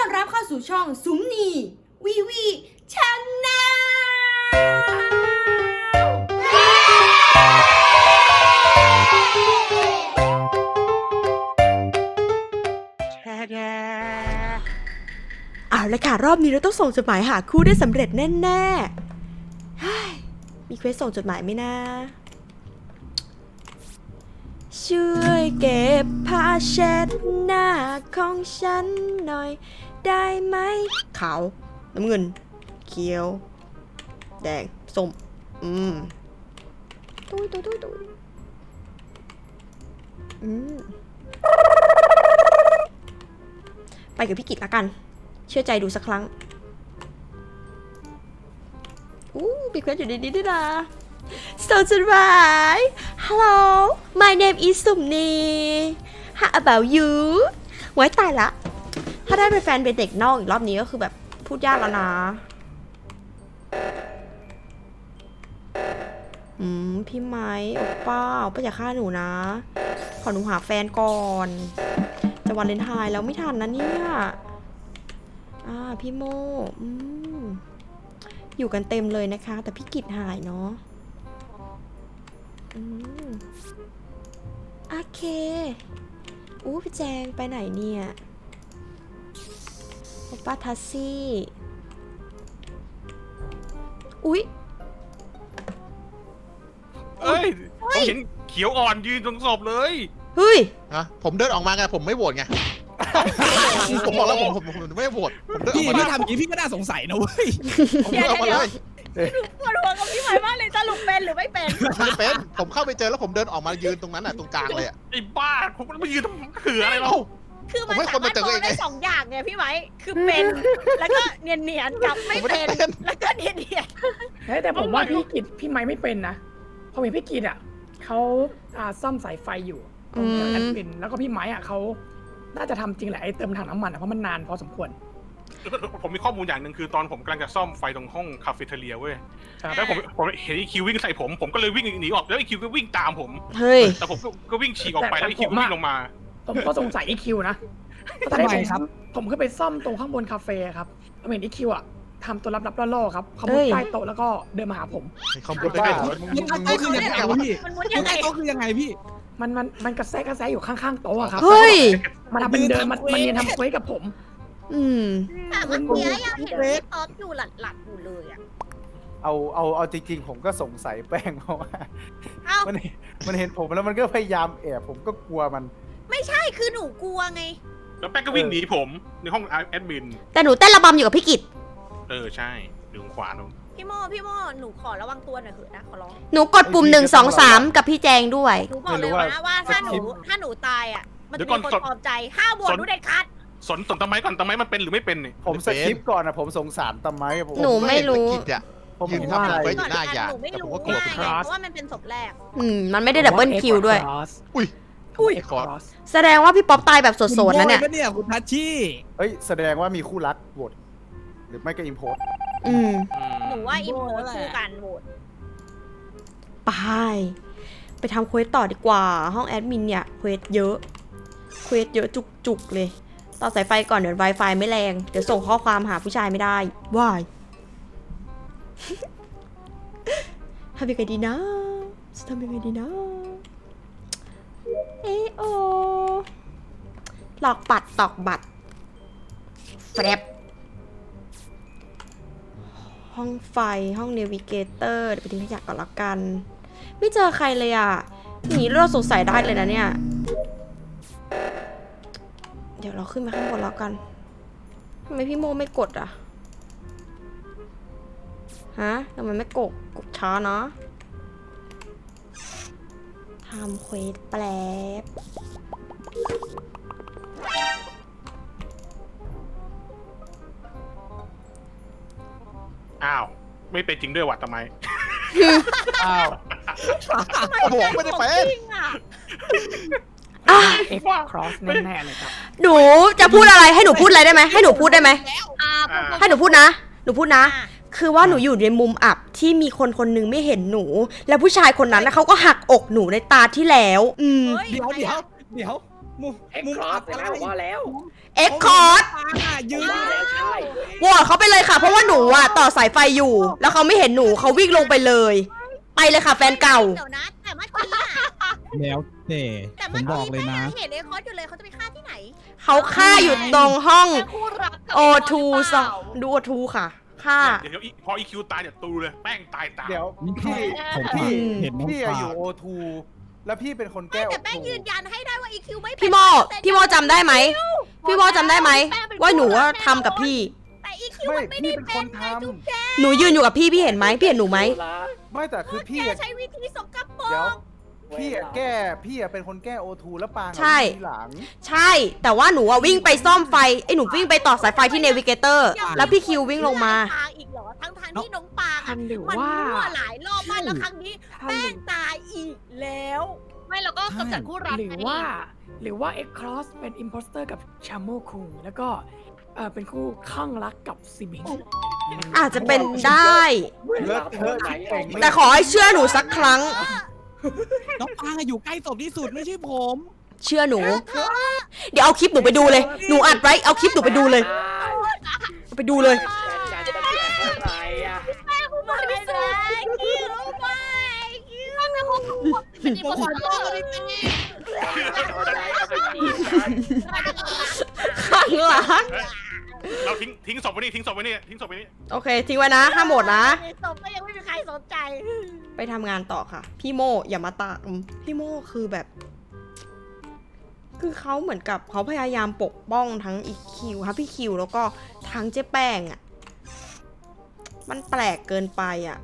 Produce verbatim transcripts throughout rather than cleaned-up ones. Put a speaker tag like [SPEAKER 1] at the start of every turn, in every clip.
[SPEAKER 1] อนรับเข้าสู่ช่องสุมนีวีวีชแนลเอาละค่ะรอบนี้เราต้องส่งจดหมายหาคู่ได้สำเร็จแน่ๆมีเควสส่งจดหมายไหมนะช่วยเก็บผ้าเช็ดหน้าของฉันหน่อยได้ไหมขาวน้ำเงินเขียวแดงส้มอืมตุ้ยตุ้ยตุ้ยตุ้ยอืมไปกับพี่กิตละกันเชื่อใจดูสักครั้งอู้มีเควสอยู่ในนี้ด้วยนะส่งจดหมาย Hello my name is สุมนี How about you ไว้ตายละถ้าได้เป็นแฟนเป็นเด็กนอกอีกรอบนี้ก็คือแบบพูดยากแล้วนะอืมพี่ไม้โอป้าโอป้าอย่าฆ่าหนูนะขอหนูหาแฟนก่อนจะวันเลนไทน์แล้วไม่ทันนะเนี่ยอ่าพี่โมอืมอยู่กันเต็มเลยนะคะแต่พี่กิตหายเนาะอืมโอเคอู้พี่แจงไปไหนเนี่ยโอป้าทัสซี่อุ๊ย
[SPEAKER 2] เอ้ยผมเห็นเขียวอ่อนยืนตรงศพเลย
[SPEAKER 1] เฮ้ย
[SPEAKER 3] ฮะผมเดินออกมาไงผมไม่โหวตไง ผมบอกแล้วผมผมผมไม่โหวตผมเดินออ
[SPEAKER 4] พี่
[SPEAKER 3] กมาเล
[SPEAKER 4] พี่
[SPEAKER 3] ย
[SPEAKER 4] ทำอย่างนี้พี่ก็น่าสงสัยนะเว้ย
[SPEAKER 3] ผมเดินออกมาเลย
[SPEAKER 5] ปวดหัวกับพี่ใหม่มากเลยสรุปเป็นหรือไม่เป็น
[SPEAKER 3] ไม่ได้เป็นผมเข้าไปเจอแล้วผมเดินออกมายืนตรงนั้นอ่ะตรงกลางเลยอ่ะ
[SPEAKER 2] ไอ้บ้าผมไม่ยืนทำเขืออะไรเรา
[SPEAKER 3] เอ้า
[SPEAKER 5] คือมัน
[SPEAKER 3] ผมให้ค
[SPEAKER 5] สาน มาร
[SPEAKER 3] มา
[SPEAKER 5] ถ
[SPEAKER 3] เจอ
[SPEAKER 5] มอง
[SPEAKER 3] เองไง
[SPEAKER 5] ได้สองอย่างไงพี่ไหมคือเป็นแล้วก็เนียนเนียนๆกับไม่เป็นแล้วก็เนียนเนียน
[SPEAKER 6] เฮ้ยแต่ผมว่าพี่กิจพี่ไม้ไม่เป็นนะเพราะเห็นพี่กิจอ่ะเขาอ่าซ่อมสายไฟอยู่ตรงแอดมินแล้วก็พี่ไม้อ่ะเขาน่าจะทำจริงแหละไอ้เติมถังน้ำมันอ่ะเพราะมันนานพอสมควร
[SPEAKER 2] ผมมีข้อมูลอย่างหนึ่งคือตอนผมกำลังจะซ่อมไฟตรงห้องคาเฟ่เทเลียเว้ยแล้วผมผมเห็นไอคิววิ่งใส่ผมผมก็เลยวิ่งหนีออกแล้วไอคิวก็วิ่งตามผม
[SPEAKER 1] เฮ้ย
[SPEAKER 2] แต่ผมก็วิ่งฉีกออกไปแล้วไอคิวก็วิ่งลงมา
[SPEAKER 6] ผมก็สงสัยไอคิวนะเพราะตอน
[SPEAKER 4] ทำ
[SPEAKER 6] แรก
[SPEAKER 4] ไม
[SPEAKER 6] ผม
[SPEAKER 4] ครับ
[SPEAKER 6] ผมขึ้นไปซ่อมตรงข้างบนคาเฟ่ครับผมเห็นไอคิวอ่ะทำตัวลับๆล่อๆครับเขามุ
[SPEAKER 1] เฮ้
[SPEAKER 6] ด
[SPEAKER 1] ย
[SPEAKER 6] ใต้โต๊ะแล้วก็เดินมาหาผม
[SPEAKER 3] เขาพูดได้ไง
[SPEAKER 4] ยังไงก็คือยังไงวะพี่
[SPEAKER 5] มันมุด
[SPEAKER 4] ยั
[SPEAKER 5] ยัง ง
[SPEAKER 4] ไง
[SPEAKER 5] ไง
[SPEAKER 4] ก็คือยังไงพี่
[SPEAKER 6] มันมันมันกระแซะกระแซะอยู่ข้างๆโต๊ะอะครับ
[SPEAKER 1] เฮ้ย
[SPEAKER 6] มันทำเป็นเดินมันมันเรียนทำเควสกับผม
[SPEAKER 1] อืม
[SPEAKER 5] แต่เมื่อกี้ยังเห็นพี่ป๊อปอยู่หลัดหลัดๆอยู่เลยอ่ะ
[SPEAKER 7] เอาเอาเอาจริงๆ ผมก็สงสัยแป้งเพราะว่า
[SPEAKER 5] เอ้า
[SPEAKER 7] มันมันเห็นผมแล้วมันก็พยายามแอบผมก็กลัวมัน
[SPEAKER 5] ไม่ใช่คือหนูกลัวไง
[SPEAKER 2] แล้วแป้งก็วิ่งหนีผมในห้องแอดมิน
[SPEAKER 1] แต่หนูเต้นระบำอยู่กับพี่กิต
[SPEAKER 2] เออใช่อยู่ขวานู้น
[SPEAKER 5] พี่โมพี่โมหนูขอระวังตัวหน่อยเถอะนะขอร้อง
[SPEAKER 1] หนูกดปุ่มหนึ่งสองสามกับพี่แจงด้วย
[SPEAKER 5] หนูบอกเลยนะว่าถ้าหนูถ้าหนูตายอ่ะมันจะมีคนปลอบใจห้ามโหวตหนูเด็ดขาด
[SPEAKER 2] สนสนตะไม้ก่อนตะไม้มันเป็นหรือไม่เป็นเนี่ย
[SPEAKER 7] ผมสคริปต์ก่อนนะผมสงสารตะไม้ผม
[SPEAKER 1] หนูไม่รู้
[SPEAKER 3] กิจอ่ะ
[SPEAKER 7] ผม
[SPEAKER 3] ยืน
[SPEAKER 7] ว่า
[SPEAKER 3] ทำ
[SPEAKER 7] อะไร
[SPEAKER 3] เควสอยู่หน้าอย่าง
[SPEAKER 5] หนูไม่
[SPEAKER 3] แต่ผม
[SPEAKER 5] รู้
[SPEAKER 3] ก็กลัว
[SPEAKER 5] ไง
[SPEAKER 3] เป็น
[SPEAKER 5] เพราะว่ามันเป็นศพแรก
[SPEAKER 1] อืม มันไม่ได้ดับเบิลคิวด้วย
[SPEAKER 3] อุ้ย
[SPEAKER 6] อุ้ย
[SPEAKER 3] ขอ
[SPEAKER 1] แสดงว่าพี่ป๊อปตายแบบสดๆนะเนี่ย
[SPEAKER 4] คุณโว้ปเนี่ยคุณทัชชี่
[SPEAKER 7] เอ้ยแสดงว่ามีคู่รักโหวตหรือไม่ก็อิมโพส
[SPEAKER 1] อืม
[SPEAKER 2] อืม
[SPEAKER 5] หนูว่าอิมโพสคู่กันโหวต
[SPEAKER 1] ไป ไปทำเควสต่อดีกว่า ห้องแอดมินเนี่ยเควสเยอะ เควสเยอะจุกๆเลย ต่อสายไฟก่อนเดี๋ยว Wi-Fi ไม่แรง เดี๋ยวส่งข้อความหาผู้ชายไม่ได้ว้าย ทำยังไงดีนะจะทำยังไงดีนะ เอโอหลอกปัดตอกบัตรแฟบห้องไฟห้องเนวิเกเตอร์เดี๋ยวไปทิ้งขยะก่อนละกัน ไม่เจอใครเลยอ่ะอย่างนี้เราสงสัยได้เลยนะเนี่ย เดี๋ยวเราขึ้นมาข้างบนแล้วกันทำไมพี่โมไม่กดอ่ะ ฮะทำไมไม่กดกดช้าเนาะทำเควสแปลบ
[SPEAKER 2] อ้าวไม่เป็นจริงด้วยว่ะตะไม้
[SPEAKER 7] อ้าว
[SPEAKER 3] บอกไม่ได้เป็น
[SPEAKER 5] จริงอ่ะ
[SPEAKER 1] อ่ะ
[SPEAKER 6] เอ็กครอสแน่ๆเลยครับ
[SPEAKER 1] หนูจะพูดอะไรให้หนูพูดอะไรได้ไหมให้หนูพูดได้ไหม
[SPEAKER 5] อ่า
[SPEAKER 2] อ่า
[SPEAKER 1] ให้หนูพูดนะ หนูพูดนะ
[SPEAKER 5] อ่า
[SPEAKER 1] คือว่าหนูอยู่ในมุมอับที่มีคนคนหนึงไม่เห็นหนู แล้วผู้ชายคนนั้นนะเขาก็หักอกหนูในตาที่แล้ว อืม
[SPEAKER 5] ฮ้
[SPEAKER 4] เดี๋ยวเดี๋ยวเดี๋ยวมุม
[SPEAKER 6] เอ็ก
[SPEAKER 4] มุม
[SPEAKER 6] ครอ
[SPEAKER 4] อั
[SPEAKER 6] ส
[SPEAKER 4] บ
[SPEAKER 6] ไป
[SPEAKER 4] อะไร
[SPEAKER 6] แล้วว่าแล้ว
[SPEAKER 1] เอ็กคอร์ด
[SPEAKER 4] ปางอ่ะยืน
[SPEAKER 6] ใช่
[SPEAKER 1] โหวตเขาไปเลยค่ะ เพราะว่าหนูอ่ะต่อสายไฟอยู่ แล้วเขาไม่เห็นหนูเขาวิ่งลงไปเลย ไปเลยค่ะแฟนเก่า
[SPEAKER 5] เดี๋ยวนะแต่เมื่อกี้อะ
[SPEAKER 4] แล้วแต่
[SPEAKER 5] แต่
[SPEAKER 4] ผ
[SPEAKER 5] เมื่อ
[SPEAKER 4] มบอก
[SPEAKER 5] กี้
[SPEAKER 4] เลย
[SPEAKER 5] แม่
[SPEAKER 4] นะ
[SPEAKER 5] เห็นไอ้คอสอยู่เลยเขาจะไปฆ่าที่ไหน
[SPEAKER 1] เขาฆ่าอยู่ตรงห้อง
[SPEAKER 8] เป็นคู่รักกับ
[SPEAKER 1] โอ
[SPEAKER 8] ไบ
[SPEAKER 1] ทู
[SPEAKER 8] หรือ
[SPEAKER 1] ส
[SPEAKER 8] เป
[SPEAKER 1] อง
[SPEAKER 8] ล่า
[SPEAKER 1] ดูโอทูค่ะฆ่า
[SPEAKER 2] เดี๋ยวอีพออีคิวตายเนี่ยตูเลยแป้งตายตาม
[SPEAKER 7] เดี๋ยว
[SPEAKER 4] นี่
[SPEAKER 7] พี่
[SPEAKER 4] ผม
[SPEAKER 7] พี่
[SPEAKER 4] เห็นน้อง
[SPEAKER 7] พี่
[SPEAKER 4] ปา
[SPEAKER 7] อยู่โอทูแล้วพี่เป็นคนแก้
[SPEAKER 5] ไม่
[SPEAKER 7] โอ
[SPEAKER 5] แต่แป้ง
[SPEAKER 7] ทู
[SPEAKER 5] ยืนยันให้ได้ว่าอีคิวไม่เป็น
[SPEAKER 1] พี่โมพี่โมจำได้ไหมพี่โมจำได้ไหมว่าหนูว่าทำกับพี่
[SPEAKER 5] แต่อีคิว
[SPEAKER 7] ไม่
[SPEAKER 5] มันไม่ได้
[SPEAKER 7] พี่เป็น
[SPEAKER 5] เป็
[SPEAKER 7] คน น
[SPEAKER 5] ไง
[SPEAKER 7] ทำ
[SPEAKER 5] จุ๊บแจ๊
[SPEAKER 1] หนูยืนอยู่กับพี่พี่เห็นไหมพี่เห็นหนูไหม
[SPEAKER 7] ไม่แต่คือพี่
[SPEAKER 5] แก
[SPEAKER 7] อะ
[SPEAKER 5] ใช้วิธีสกปร
[SPEAKER 7] เดี๋ยว
[SPEAKER 5] ก
[SPEAKER 7] พี่อะแก้พี่อะเป็นคนแก้โอทูแล้วปางอะ
[SPEAKER 1] ใช่
[SPEAKER 7] วิ่งทีหลัง
[SPEAKER 1] ใช่ แต่ว่าหนูอะวิ่งไปซ่อมไฟไอ้หนูวิ่งไปต่อสายไฟที่เนวิเกเตอร์แล้วพี่คิววิ่งลงมา
[SPEAKER 5] ปางอีกเหรอทั้งทางๆที่น้องปางอะ
[SPEAKER 6] หรือ
[SPEAKER 5] มัน
[SPEAKER 6] ว่า
[SPEAKER 5] มั่วหลายรอบมากแล้วครั้งนี้แป้งตายอีกแล้ว
[SPEAKER 8] ไม่แล้วก็กำจัดคู่รัก
[SPEAKER 6] หรือ
[SPEAKER 8] ไง
[SPEAKER 6] ว่า หรือว่าเอ็กครอสเป็นอิมโพสเตอร์กับชาโมคุงแล้วก็เออเป็นคู่ข้างรักกับซิบิง
[SPEAKER 1] อาจจะเป็นได้
[SPEAKER 7] เลิศเทอะชิบเป่ง
[SPEAKER 1] แต่ขอให้เชื่อหนูสักครั้ง
[SPEAKER 4] น้องปางอะอยู่ใกล้ศพที่สุดไม่ใช่ผม
[SPEAKER 1] เชื่อหนู เดี๋ยวเอาคลิปหนูไปดูเลย หนูอัดไว้เอาคลิปหนูไปดูเลยเอาไปดูเลย
[SPEAKER 6] การจะเกิดอะไรอ่ะ
[SPEAKER 5] ไม่ได้คิวไม่คิว
[SPEAKER 8] เป็นอีโมชั่นโลกเลย
[SPEAKER 1] ข้างหลัง
[SPEAKER 2] เฮ้ยเราทิ้งทิ้งศพไว้นี่ทิ้งศพไว้นี่ทิ้งศพไว้นี่
[SPEAKER 1] โอเค ทิ้งไว้นะห้ามหมดนะ
[SPEAKER 5] ศพก็ยังไม่มีใครสนใจ
[SPEAKER 1] ไปทำงานต่อค่ะ พี่โมอย่ามาตามพี่โมคือแบบ คือเขาเหมือนกับเขาพยายามปกป้องทั้งอีคิวครับพี่คิวแล้วก็ทั้งเจ๊แป้งอะ่ะ มันแปลกเกินไปอะ่ะ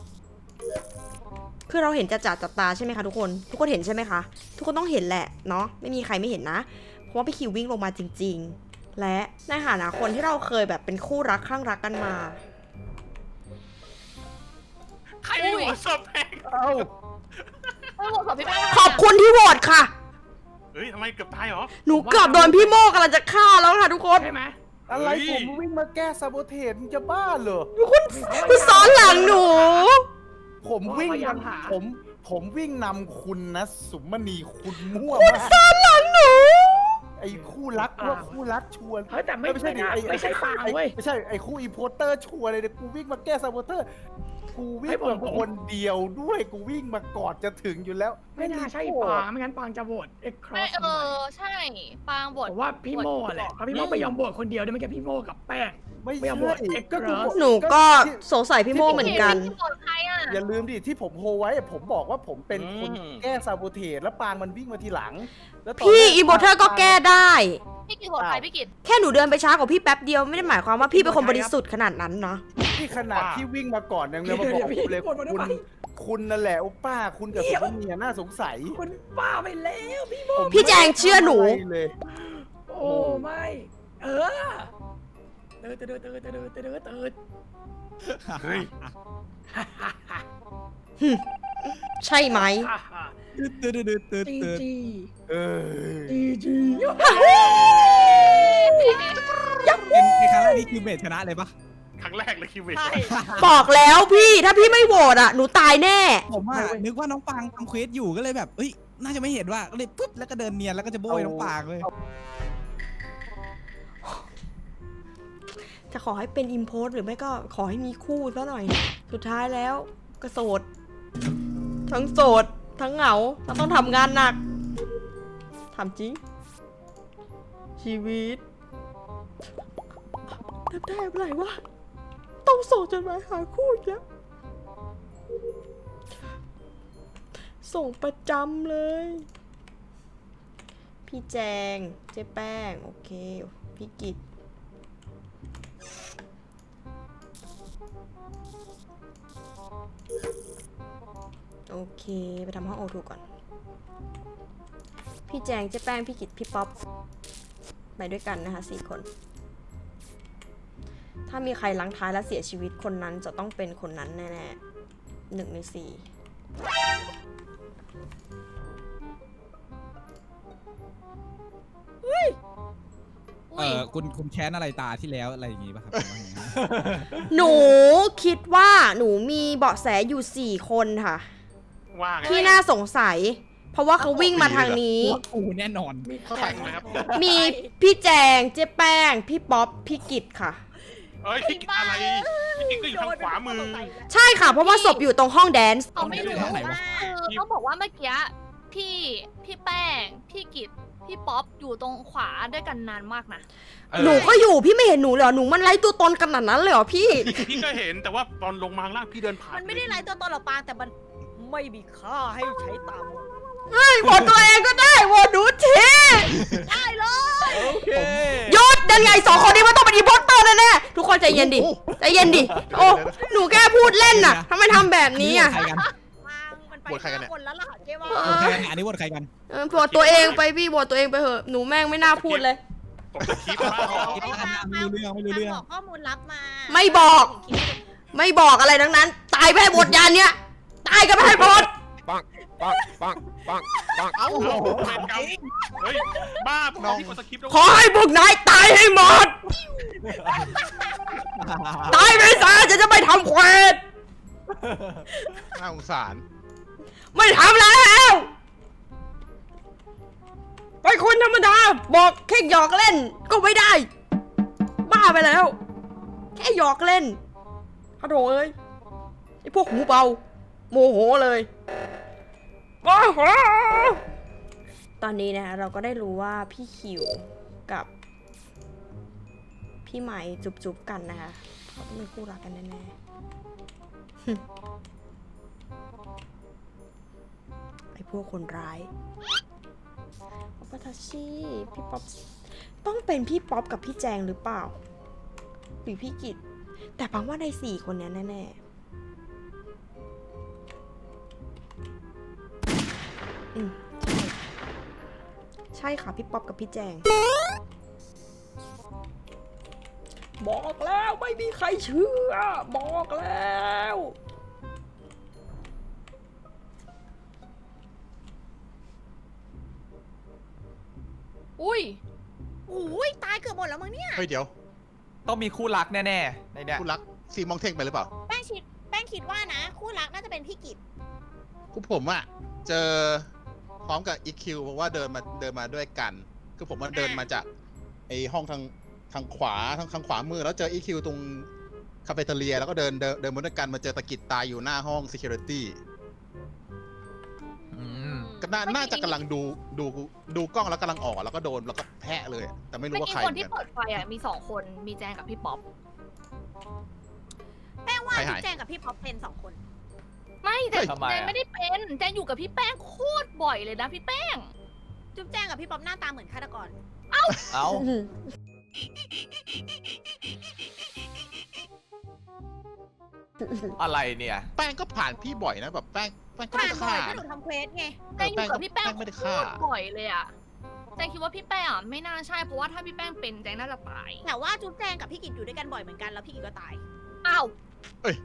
[SPEAKER 1] คือเราเห็นจะจัดจับตาใช่ไหมคะทุกคน ทุกคนเห็นใช่ไหมคะ ทุกคนต้องเห็นแหละเนาะไม่มีใครไม่เห็นนะ เพราะว่าพี่คิววิ่งลงมาจริง ๆ และในฐานะคนที่เราเคยแบบเป็นคู่รักข้างรักกันมา
[SPEAKER 2] ใครไม่หัวศพแป้ง
[SPEAKER 7] เอ้า
[SPEAKER 8] ไม่โหวตกับพี่แป้ง
[SPEAKER 1] ขอบคุณที่โหวตค่ะ
[SPEAKER 2] เฮ้ยทำไมเกือบตายเหรอ
[SPEAKER 1] หนูเกือบโดนพี่โมกำลังจะฆ่าแล้วค่ะทุกคน
[SPEAKER 6] ใช่ไหม
[SPEAKER 7] อะไร
[SPEAKER 2] เฮ้ย
[SPEAKER 7] ผมวิ่งมาแก้ซาโบเทสมึงจะบ้าเหรอ
[SPEAKER 1] คุณซ้อนหลังหนู
[SPEAKER 7] ผมวิ่ง
[SPEAKER 6] พยายามหา
[SPEAKER 7] ผมผมวิ่งนำคุณนะ สุมณีคุณมั่ว
[SPEAKER 1] คุณ
[SPEAKER 7] มาก
[SPEAKER 1] ซ้อนหลังหนู
[SPEAKER 7] ไอ้คู่รักว่าคู่รักชวน
[SPEAKER 6] เฮ้ยแต่ไม่
[SPEAKER 7] ไม่ใช่
[SPEAKER 6] ใช่
[SPEAKER 7] ดิ
[SPEAKER 6] นะไม่ใช่ปางเว้ย
[SPEAKER 7] ไม่ใช่ไอ้คู่อีโพเตอร์ชวนเลยเนี่ยกูวิ่งมาแก้ซาโบเตอร์กูวิ่ง
[SPEAKER 6] ให้ผม
[SPEAKER 7] มาคนเดียวด้วยกูวิ่งมาก่อนจะถึงอยู่แล้ว
[SPEAKER 6] ไม่น่าใช่ปางไม่งั้นปางจะโหวตเอ็กครอ
[SPEAKER 8] ไม่
[SPEAKER 6] ส
[SPEAKER 8] เออใช่ปางบท
[SPEAKER 6] ผมว่าพี่โม่แหละเพราะพี่โม่ไปยอมโหวตคนเดียวด้วยไม่แค่พี่โม่กับแป้ง
[SPEAKER 7] ไม่
[SPEAKER 6] ไม่
[SPEAKER 7] ใช่
[SPEAKER 6] เอาหมด
[SPEAKER 7] ก็กูบอก
[SPEAKER 1] หนูก็สงสัยพี่โมเหมือนกัน
[SPEAKER 8] พี่บทใครอ่ะ
[SPEAKER 7] อย่าลืมดิที่ผมโฮไว้อะผมบอกว่าผมเป็นคน
[SPEAKER 2] อืม
[SPEAKER 7] แก้ซาโบเทสแล้วปางมันวิ่งมาทีหลังแล้วตน
[SPEAKER 1] พี่
[SPEAKER 7] แรก
[SPEAKER 1] อีโมเทอร์ก็แก้ได้
[SPEAKER 8] พี่กิจโหวตใครพี่กิจ
[SPEAKER 1] แค่หนูเดินไปช้ากว่าพี่แป๊บเดียวไม่ได้หมายความว่าพี่เป็นคนบริสุทธิ์ขนาดนั้นเนาะ
[SPEAKER 7] ที่ขนาดที่วิ่งมาก่อนยังเลยมาบอกผมเลยคุณคุณนั่นแหละโอป้าคุณกับสุภเมียน่าสงสัย
[SPEAKER 6] คุณบ้าไปแล้วพี่โม่
[SPEAKER 7] ผม
[SPEAKER 1] พี่แจงเชื่อหนู
[SPEAKER 7] ไม่ทำอะไรเลย
[SPEAKER 6] โอ้ไม่ เออเติร์ดเติร์ดเติร์ดเติร์ดเติร์ดเติร์ด
[SPEAKER 2] เฮ้ย
[SPEAKER 1] ใช่ไหม
[SPEAKER 4] ตืดตืดตืดตืด
[SPEAKER 6] จี
[SPEAKER 4] ตืด
[SPEAKER 6] จี
[SPEAKER 7] เออ
[SPEAKER 6] จีจี
[SPEAKER 4] เป็นในครั้งแรกนี่คิวเบสชนะเลยปะ
[SPEAKER 2] ครั้งแรกเลยคิวเวท
[SPEAKER 1] บอกแล้วพี่ถ้าพี่ไม่โหวตอ่ะหนูตายแน่
[SPEAKER 4] ผมอะนึกว่าน้องปางทำเควสอยู่ก็เลยแบบเอ้ยน่าจะไม่เห็นว่าก็เลยปุ๊บแล้วก็เดินเนียนแล้วก็จะโบยน้องปางเลย
[SPEAKER 1] จะขอให้เป็นอิมโพสหรือไม่ก็ขอให้มีคู่ซะหน่อย สุดท้ายแล้วก็โสด ทั้งโสด ทั้งเหงาเราต้องทำงานหนักทำจริง ชีวิตทำได้อะไรวะ ต้องส่งจดหมายหาคู่อีกแล้ว ส่งประจำเลย พี่แจง เจ๊แป้ง โอเค พี่กิต โอเค ไปทำห้องโอทูก่อน พี่แจงเจ๊แป้ง พี่กิตพี่ป๊อป ไปด้วยกันนะคะสี่คน ถ้ามีใครลังท้ายและเสียชีวิตคนนั้นจะต้องเป็นคนนั้นแน่ๆหนึ่งในสี่
[SPEAKER 4] เออคุณคุณแค้นอะไรตาที่แล้วอะไรอย่างงี้ป่ะครับ
[SPEAKER 1] หนูคิดว่าหนูมีเบาะแสอยู่สี่คนค่ะ
[SPEAKER 2] ว่าไง
[SPEAKER 1] ที่น่าสงสัยเพราะว่าเขาวิ่งมาทางนี้
[SPEAKER 4] กูแน่นอน
[SPEAKER 3] เข้าใครนะครับ
[SPEAKER 1] มีพี่แจงเจ๊แป้ง พี่ป๊อป พี่กิตค่ะ
[SPEAKER 2] เอ้ยพี่กิจอะไรพี่กิจก็อยู่ทางขวามือ
[SPEAKER 1] ใช่ค่ะ เพราะว่าศพอยู่ตรงห้องแดนซ์
[SPEAKER 8] เขาไม่รู้
[SPEAKER 4] เอาไหนวะ
[SPEAKER 8] ว่าคือต้องบอกว่าเมื่อกี้พี่พี่แป้ง พี่กิตพี่ป๊อปอยู่ตรงขวาด้วยกันนานมากนะ
[SPEAKER 1] หนูก็อยู่พี่ไม่เห็นหนูเลยเหรอหนูมันไร้ตัวตนขนาดนั้นเลยเหรอพี่
[SPEAKER 2] พี่ก็เห็นแต่ว่าตอนลงมาข้างล่างพี่เดินผ่าน
[SPEAKER 5] มันไม่ได้ไร้ตัวตนหรอกปางแต่มันไม่มีค่าให้ใช้ตาม
[SPEAKER 1] เฮ้ยโหวตตัวเองก็ได้โหวตหนูที
[SPEAKER 5] ได้เลย
[SPEAKER 7] โอเค
[SPEAKER 1] หยุดยังไงสองคนนี้มันต้องเป็นอีโพสเตอร์แน่ๆทุกคนใจเย็นดิ
[SPEAKER 3] โอ้
[SPEAKER 1] ใจเย็นดิโอ้หนูแค่พูดเล่นน่ะทำไมทำแบบนี้อ่ะ
[SPEAKER 4] ใครกัน
[SPEAKER 5] ปางมันไป
[SPEAKER 3] โหวตใครกันเนี่ย
[SPEAKER 5] ห้าคนแล้วล่ะเจ๊ว่า
[SPEAKER 4] โหวตใครกันอันนี้โหวตใครกัน
[SPEAKER 1] เออโหวตตัวเองไปพี่โหวตตัวเองไปเถอะหนูแม่งไม่น่าพูดเลย
[SPEAKER 2] ผมจะคิดว่า
[SPEAKER 4] คิดว่าไม่รู้เรื่องไม่รู้เรื่อง
[SPEAKER 5] บอกข้อมูลลับมา
[SPEAKER 1] ไม่บอก ไม่บอกอะไรทั้งนั้น ตายไปให้หมดยานเนี้ยตายกันไปให้หมด
[SPEAKER 3] ปังปังปังปังปังเอ้า
[SPEAKER 2] โอ้โหเป็นกรรมเฮ้ยบ้าพวกเราที่กดสคริปต์แล้ว
[SPEAKER 1] ขอให้พวกนายตายให้หมด ตายไปซะจะจะไม่ทำเควส
[SPEAKER 3] น่าสงสาร
[SPEAKER 1] ไม่ทำแล้วไปคนธรรมดาบอกแค่หยอกเล่นก็ไม่ได้ บ้าไปแล้ว แค่หยอกเล่นฮัลโหลเอ้ยไอพวกหูเบาโมโหเลยโมโหตอนนี้นะเราก็ได้รู้ว่าพี่คิวกับพี่ไหมจุบๆกันนะคะเขาต้องเป็นคู่รักกันแน่ๆ ไอพวกคนร้ายป๊อปปาทาชิพี่ป๊อปต้องเป็นพี่ป๊อปกับพี่แจงหรือเปล่าหรือพี่กิตแต่ปังว่าในสี่คนนี้แน่ๆอืมใช่ใช่ค่ะพี่ป๊อปกับพี่แจง บอกแล้วไม่มีใครเชื่อ บอกแล้ว
[SPEAKER 8] อุ้ย
[SPEAKER 5] โอ้ยตายเกือบหมดแล้วมั้งเนี่ย
[SPEAKER 3] เฮ้ยเดี๋ยว
[SPEAKER 9] ต้องมีคู่รักแน่ๆในเนี้ย
[SPEAKER 3] คุณรักซีมองเท่งไปหรือเปล่า
[SPEAKER 5] แป้งคิดแป้งคิดว่านะ คู่รักน่าจะเป็นพี่กิต
[SPEAKER 3] คือผมอะเจอพร้อมกับอีคิวเพราะว่าเดินมาเดินมาด้วยกัน คือผมมันเดินมาจากไอห้องทางทางขวาทางทางขวามือแล้วเจออีคิวตรงคาเฟ่เทเลียแล้วก็เดินเดินเดินมาด้วยกันมาเจอตะกิดตายอยู่หน้าห้อง security
[SPEAKER 9] อืม
[SPEAKER 3] ก็น่าน่าจะกำลังดูดูดูกล้องแล้วกำลังออกแล้วก็โดนแล้วก็แพะเลย แต่ไม่รู้
[SPEAKER 8] เมื่อ
[SPEAKER 3] ว่า
[SPEAKER 8] กี้
[SPEAKER 3] ใคร
[SPEAKER 8] คนที่
[SPEAKER 3] เหมือนกัน
[SPEAKER 8] เปิดไฟอ่ะมีสองคนมีแจงกับพี่ป๊อป
[SPEAKER 5] แป้งว่า
[SPEAKER 3] ใครหาย
[SPEAKER 5] พี่แจงกับพี่ป๊อปเป็นสองคน
[SPEAKER 8] ไม่แต่
[SPEAKER 9] ทำไม
[SPEAKER 8] แจง
[SPEAKER 9] อะ
[SPEAKER 8] ไม่ได้เป็นแจงอยู่กับพี่แป้งโคตรบ่อยเลยนะพี่แป้ง
[SPEAKER 5] จุ๊บแจงกับพี่ป๊อปหน้าตาเหมือนฆาตกร
[SPEAKER 9] เอ้า อะไรเนี่ย
[SPEAKER 3] แป้งก็ผ่านพี่บ่อยนะแบบแป้งแป้งก็
[SPEAKER 5] ผ่า
[SPEAKER 3] ไม่
[SPEAKER 5] น
[SPEAKER 3] ได้
[SPEAKER 5] บ่อ
[SPEAKER 3] ฆ่าย
[SPEAKER 5] ถ้าหนูทำเควสไง
[SPEAKER 8] แจงอยู่กับพี่แป้ง
[SPEAKER 3] แป้งไม่ได้
[SPEAKER 8] โค
[SPEAKER 3] ฆ่า
[SPEAKER 8] ตรบ่อยเลยอ่ะแจงคิดว่าพี่แป้งอ่ะไม่น่าใช่เพราะว่าถ้าพี่แป้งเป็นแจงน่าจะตาย
[SPEAKER 5] แต่ว่าจุ๊บแจงกับพี่กิตอยู่ด้วยกันบ่อยเหมือนกันแล้วพี่กิตก็ตาย
[SPEAKER 8] อ้าว
[SPEAKER 3] เอ้ย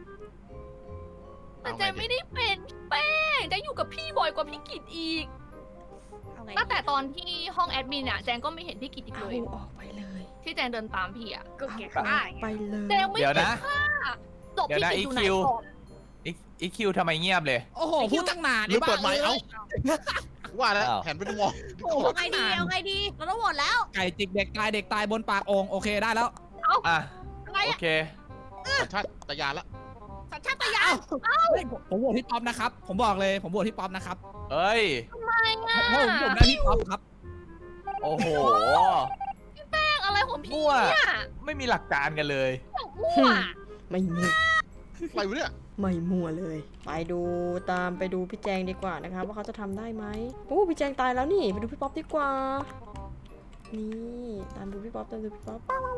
[SPEAKER 8] แต่แจงไม่ได้เป็นพี่แป้งแจงอยู่กับพี่บ่อยกว่าพี่กิตอีก
[SPEAKER 5] เอาไง
[SPEAKER 8] ตั้งแต่ตอนที่ห้องแอดมินอ่ะแจงก็ไม่เห็นพี่กิตอีก
[SPEAKER 1] เอา
[SPEAKER 8] เลย
[SPEAKER 1] ออกไปเลย
[SPEAKER 8] ที่แจงเดินตามพี่อ่ะ
[SPEAKER 5] ก็แก
[SPEAKER 1] เอา
[SPEAKER 5] ฆ่า
[SPEAKER 1] ออกไปเลย
[SPEAKER 8] แจงไม่
[SPEAKER 9] เดี๋ยว
[SPEAKER 8] ได้
[SPEAKER 9] นะ
[SPEAKER 8] ฆ่าศพ
[SPEAKER 9] เดี๋ยว
[SPEAKER 8] พี่
[SPEAKER 9] นะ
[SPEAKER 8] กิตอยู่ไหน
[SPEAKER 9] อีคิว
[SPEAKER 8] ก่อน
[SPEAKER 9] อีอีคิวทำไมเงียบเลย
[SPEAKER 4] โอ้โหพูดตั้งนาน
[SPEAKER 3] หรือเปิดไมค์
[SPEAKER 4] ไอ้บ้
[SPEAKER 3] เอ้าว่าแล้ว
[SPEAKER 9] อ้าว
[SPEAKER 3] แผนเป็นมอง
[SPEAKER 5] โอ้โหเอาไงดีเอาไงดีเราต้องโหวตแล้ว
[SPEAKER 4] ไก่จิกเด็กตายเด็กตายบนปากโองโอเคได้แล้ว
[SPEAKER 9] อ่ะ
[SPEAKER 5] อะไร
[SPEAKER 9] โอ
[SPEAKER 5] อะ
[SPEAKER 9] เค
[SPEAKER 3] สัญชาตญาณละ
[SPEAKER 5] สัญชาตญาณ
[SPEAKER 4] เฮ้ยผมผมโหวตพี่ป๊อปนะครับ ผมบอกเลยผมโหวตพี่ป๊อปนะครับ
[SPEAKER 9] เอ้ย
[SPEAKER 4] เพราะผมผมได้พี่ป๊อปครับ
[SPEAKER 9] โอ้โห
[SPEAKER 8] แป้งอะไรของพี่
[SPEAKER 9] มั่ว
[SPEAKER 8] เนี่ย
[SPEAKER 9] ไม่มีหลักการกันเลย
[SPEAKER 8] มั่ว
[SPEAKER 1] ไม่มั่ว
[SPEAKER 3] อะไรวะเนี่ย
[SPEAKER 1] ไม่มั่วเลย ไปดูตามไปดูพี่แจงดีกว่านะคะว่าเขาจะทำได้ไหมโอ้พี่แจงตายแล้วนี่ไปดูพี่ป๊อปดีกว่า นี่ตามดูพี่ป๊อปตามดูพี่ป๊อป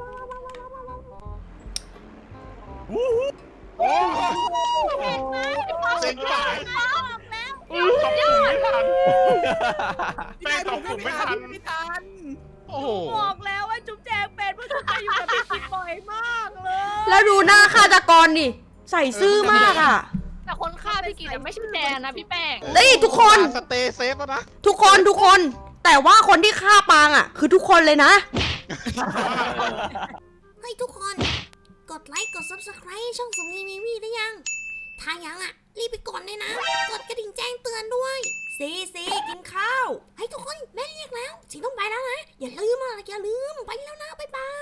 [SPEAKER 3] เซ็งป่าย
[SPEAKER 2] ตบปุ่มไม่ทันแป้งตบปุ่มไม่ทัน
[SPEAKER 4] ไม่ทัน
[SPEAKER 3] โอ้โห
[SPEAKER 5] บอกแล้วว่าจุ๊บแจงเป็นเพราะจุ๊บแจงอยู่กับพี่กิตบ่อยมากเลย
[SPEAKER 1] แล้วดูหน้าฆาตกรนี่ใส่ซื่อมากอ่ะ
[SPEAKER 8] แต่คนฆ่าพี่กิตแต่ไม่ใช่แจงนะพี่แป้ง
[SPEAKER 1] นี่ทุกคน
[SPEAKER 3] สเตย์เซฟแล้วนะ
[SPEAKER 1] ทุกคนทุกคน แต่ว่าคนที่ฆ่าปางอ่ะ คือทุกคนเลยนะ
[SPEAKER 10] เฮ้ยทุกคน กดไลค์กด ซับสไครบ์ ช่องสมนีมีวีได้ยัง ถ้ายังอ่ะ รีบไปกดเลยนะ กดกระดิ่งแจ้งเตือนด้วยซีซีกินข้าว ให้ทุกคนแม่เรียกแล้วสิต้องไปแล้วนะ อย่าลืมอ่ะอย่าลืม ไปแล้วนะ บ๊ายบาย